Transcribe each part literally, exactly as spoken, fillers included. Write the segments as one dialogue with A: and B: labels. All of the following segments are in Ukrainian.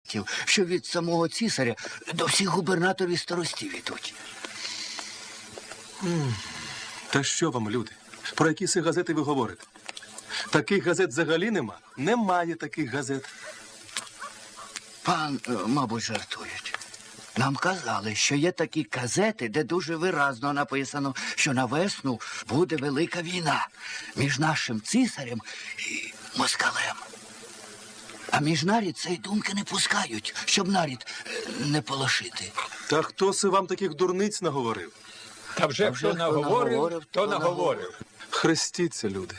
A: що від самого цісаря до всіх губернаторів і старостів ідуть.
B: Та що вам, люди? Про які си газети ви говорите? Таких газет взагалі нема? Немає таких газет.
A: Пан, е, мабуть, жартують. Нам казали, що є такі газети, де дуже виразно написано, що на весну буде велика війна між нашим цісарем і москалем. А між нарід цієї думки не пускають, щоб нарід е, не полошити.
B: Та хто си вам таких дурниць наговорив?
C: Та вже
A: Та вже
C: хто
A: хто
C: наговорив,
A: наговорив,
C: то
A: то
C: наговорив.
B: Хрестіться, люди.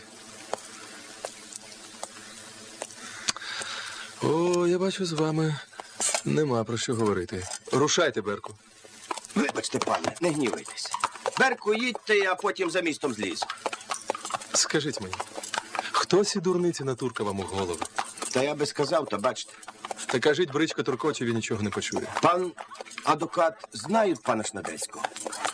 B: О, я бачу, з вами нема про що говорити. Рушайте, Берку.
D: Вибачте, пане, не гнівайтеся. Берку, їдьте, а потім за містом зліз.
B: Скажіть мені, хто сі дурниці натурка вам у голову?
D: Та я би сказав, та бачите.
B: Та кажіть, бричка туркоче, він нічого не почує.
D: Пан адвокат знають пана Шнадельського.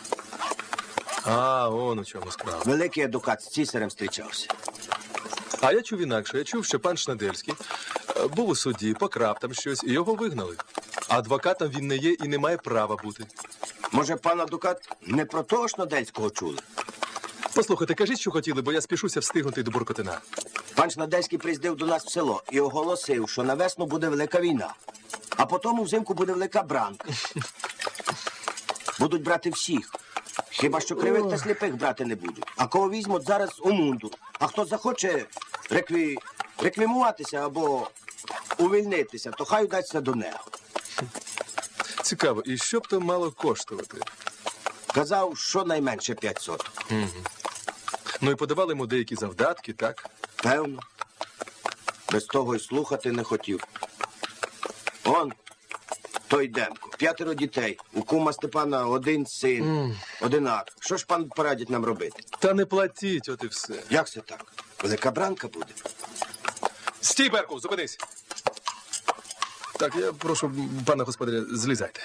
B: А, он у чому справа.
D: Великий адвокат з цісарем зустрічався.
B: А я чув інакше. Я чув, що пан Шнадельський е, був у суді, покрав там щось, і його вигнали. Адвокатом він не є і не має права бути.
D: Може, пан адвокат не про того Шнадельського чули?
B: Послухайте, кажіть, що хотіли, бо я спішуся встигнути до Буркотина.
D: Пан Шнадельський приїздив до нас в село і оголосив, що на весну буде велика війна, а потім взимку буде велика бранка. Будуть брати всіх. Хіба що кривих та сліпих брати не будуть. А кого візьмуть зараз у мунду. А хто захоче рекві... реквімуватися або увільнитися, то хай удасться до нього.
B: Цікаво, і що б то мало коштувати?
D: Казав, що найменше п'ять соток.
B: Ну і подавали йому деякі завдатки, так?
D: Певно. Без того й слухати не хотів. Он, той Демко, п'ятеро дітей. У кума Степана один син, mm. одинак. Що ж пан порадить нам робити?
B: Та не платіть, от і все.
D: Як це так? Велика бранка буде?
B: Стій, Берку, зупинись. Так, я прошу пана господаря, злізайте.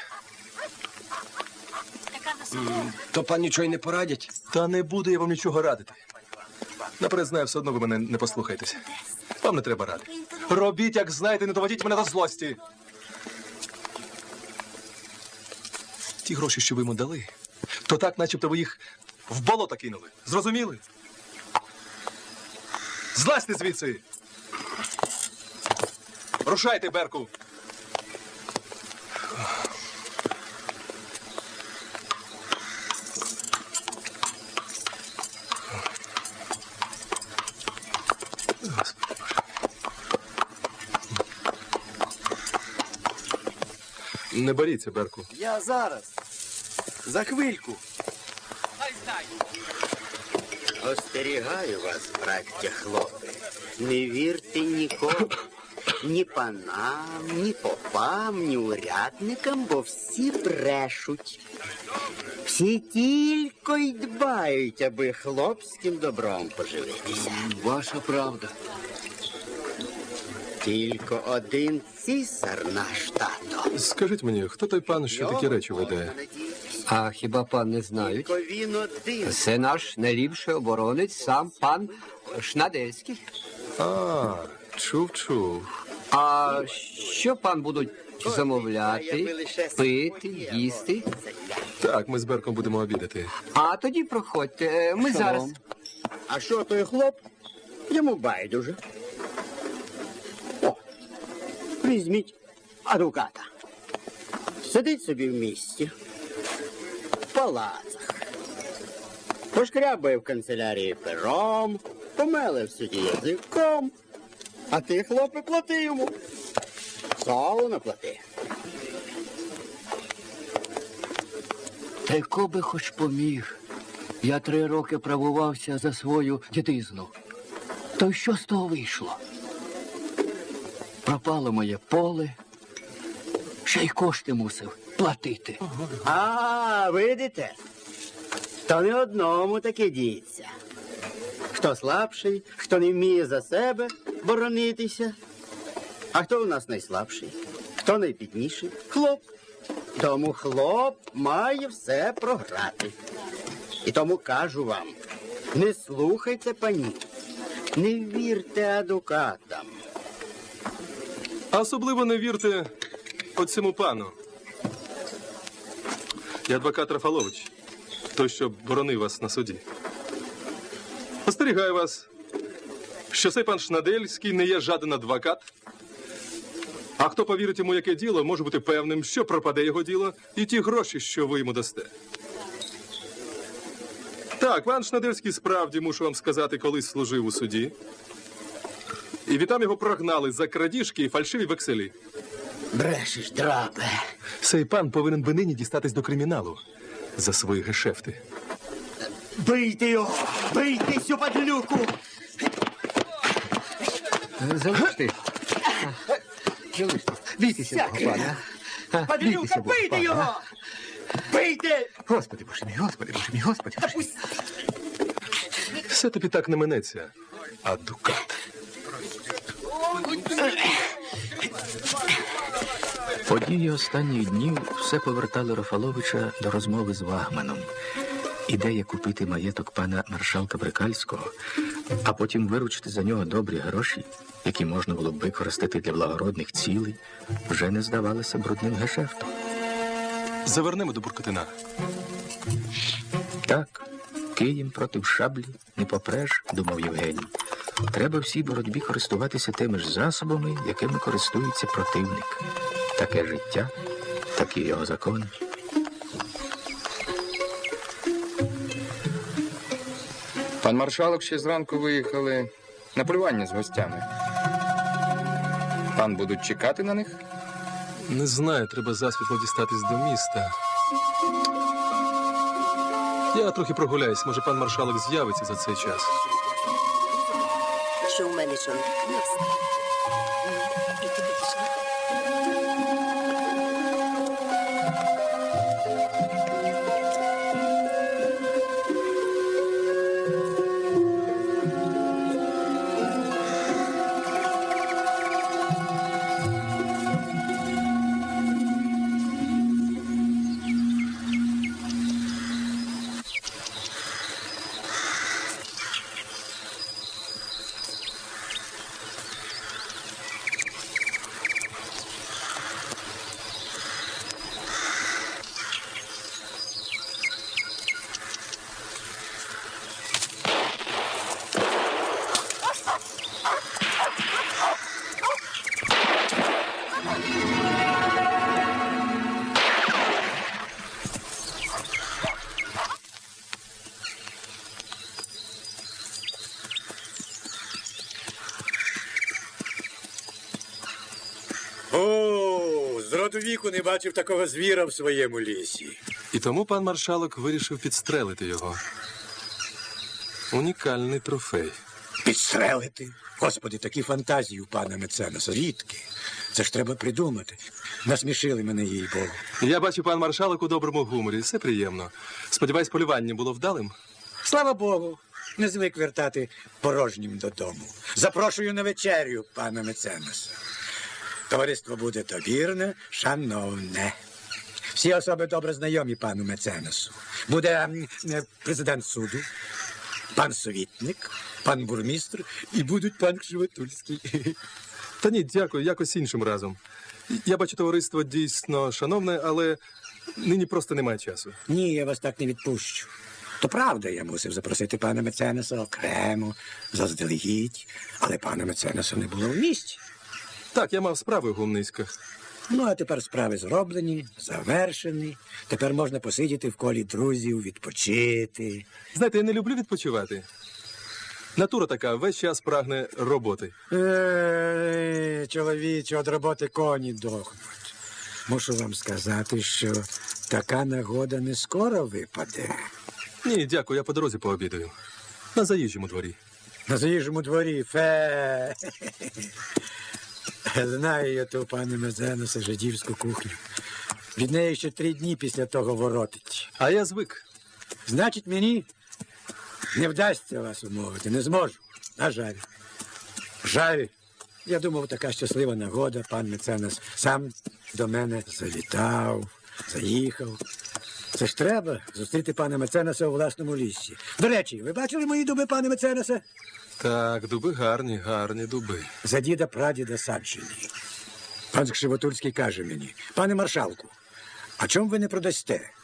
D: То пан нічого й не порадять?
B: Та не буду я вам нічого радити. Наперед знаю, все одно ви мене не послухаєтеся. Вам не треба ради. Робіть, як знаєте, не доводіть мене до злості. Ті гроші, що ви йому дали, то так, начебто ви їх в болото кинули. Зрозуміли? Злазьте звідси! Рушайте, Берку! Не боріться, Берку.
D: Я зараз. За хвильку.
E: Остерігаю вас, браття хлопці, не вірте нікому, ні панам, ні попам, ні урядникам, бо всі брешуть. Всі тільки й дбають, аби хлопським добром поживитися.
A: Ваша правда.
E: Тільки один цісар наш тато.
B: Скажіть мені, хто той пан, що такі речі веде?
F: А хіба пан не знають?
E: Тільки він один.
F: Це наш найліпший оборонець, сам пан Шнадельський.
B: А, чув, чув.
F: А що пан будуть замовляти, пити, їсти?
B: Так, ми з Берком будемо обідати.
F: А тоді проходьте, ми зараз.
E: А що той хлоп? Йому байдуже. О, візьміть адвоката. Сидить собі в місті, в палацах. Пошкрябає в канцелярії пером, помеле в суді язиком. А ти, хлопе, плати йому. Солоно плати.
A: Та й коби хоч поміг. Я три роки правувався за свою дідизну. То й що з того вийшло? Пропало моє поле, ще й кошти мусив платити.
E: А, видите? То не одному таке діється. Хто слабший, хто не вміє за себе боронитися. А хто у нас найслабший? Хто найбідніший? Хлоп. Тому хлоп має все програти. І тому кажу вам, не слухайте панів, не вірте адвокатам.
B: А особливо не вірте от цьому пану. Я адвокат Рафалович, той, що боронив вас на суді. Остерігаю вас, що цей пан Шнадельський не є жаден адвокат. А хто повірить йому, яке діло, може бути певним, що пропаде його діло і ті гроші, що ви йому дасте. Так, пан Шнадельський справді, мушу вам сказати, колись служив у суді. І відтам його прогнали за крадіжки і фальшиві векселі.
A: Брешеш, драпе.
B: Цей пан повинен би нині дістатись до криміналу за свої гешефти.
A: Бийте його! Бийте цю падлюку!
F: Залиште. Залиште. Бійтеся Бога, пане. А, бійтеся
A: Падлюка,
F: Бога,
A: бийте
F: пане.
A: його! Бийте!
F: Господи, Боже мій, Господи, Боже мій, Господи, Боже мій.
B: Все тобі так не минеться, а дукат.
C: Події останніх днів все повертали Рафаловича до розмови з Вагманом. Ідея купити маєток пана маршалка Брикальського, а потім виручити за нього добрі гроші, які можна було б використати для благородних цілей, вже не здавалася брудним гешефтом.
B: Завернемо до Буркотина.
C: Так, києм проти шаблі не попреш, думав Євгеній. Треба всій боротьбі користуватися тими ж засобами, якими користується противник. Таке життя, такі його закони.
G: Пан маршалок ще зранку виїхали на полювання з гостями. Пан будуть чекати на них?
B: Не знаю, треба засвітло дістатись до міста. Я трохи прогуляюсь, може пан маршалок з'явиться за цей час.
H: Що у мене що? І ти підійшла?
I: О, з роду віку не бачив такого звіра в своєму лісі.
B: І тому пан маршалок вирішив підстрелити його. Унікальний трофей.
I: Підстрелити? Господи, такі фантазії у пана Меценаса рідкі. Це ж треба придумати. Насмішили мене, їй Богу.
B: Я бачу, пан маршалок у доброму гуморі. Все приємно. Сподіваюсь, полювання було вдалим?
I: Слава Богу, не звик вертати порожнім додому. Запрошую на вечерю пана Меценаса. Товариство буде добірне, шановне. Всі особи добре знайомі пану Меценасу. Буде м, е, президент суду, пан совітник, пан бурмістр і будуть пан Кшивотульський.
B: Та ні, дякую, якось іншим разом. Я бачу, товариство дійсно шановне, але нині просто немає часу.
I: Ні, я вас так не відпущу. То правда, я мусив запросити пана Меценаса окремо, заздалегідь, але пана Меценаса не було в місті.
B: Так, я мав справи у Гумницьках.
I: Ну, а тепер справи зроблені, завершені. Тепер можна посидіти в колі друзів, відпочити.
B: Знаєте, я не люблю відпочивати. Натура така, весь час прагне роботи.
I: Е, чоловіче, від роботи коні дохнуть. Мушу вам сказати, що така нагода не скоро випаде.
B: Ні, дякую, я по дорозі пообідаю. На заїжджому дворі.
I: На заїжджому дворі, фе. Знаю я ту пане Мезенуса жидівську кухню. Від неї ще три дні після того воротить.
B: А я звик.
I: Значить, мені не вдасться вас умовити, не зможу. На жаль. Жаль. Я думав, така щаслива нагода, пан Меценас сам до мене завітав, заїхав. Це ж треба зустріти пана Меценаса у власному лісі. До речі, ви бачили мої дуби, пане Меценаса?
B: Так, дуби гарні, гарні дуби.
I: За діда прадіда саджені. Пан Кшивотурський каже мені, пане маршалку, а чому ви не продасте?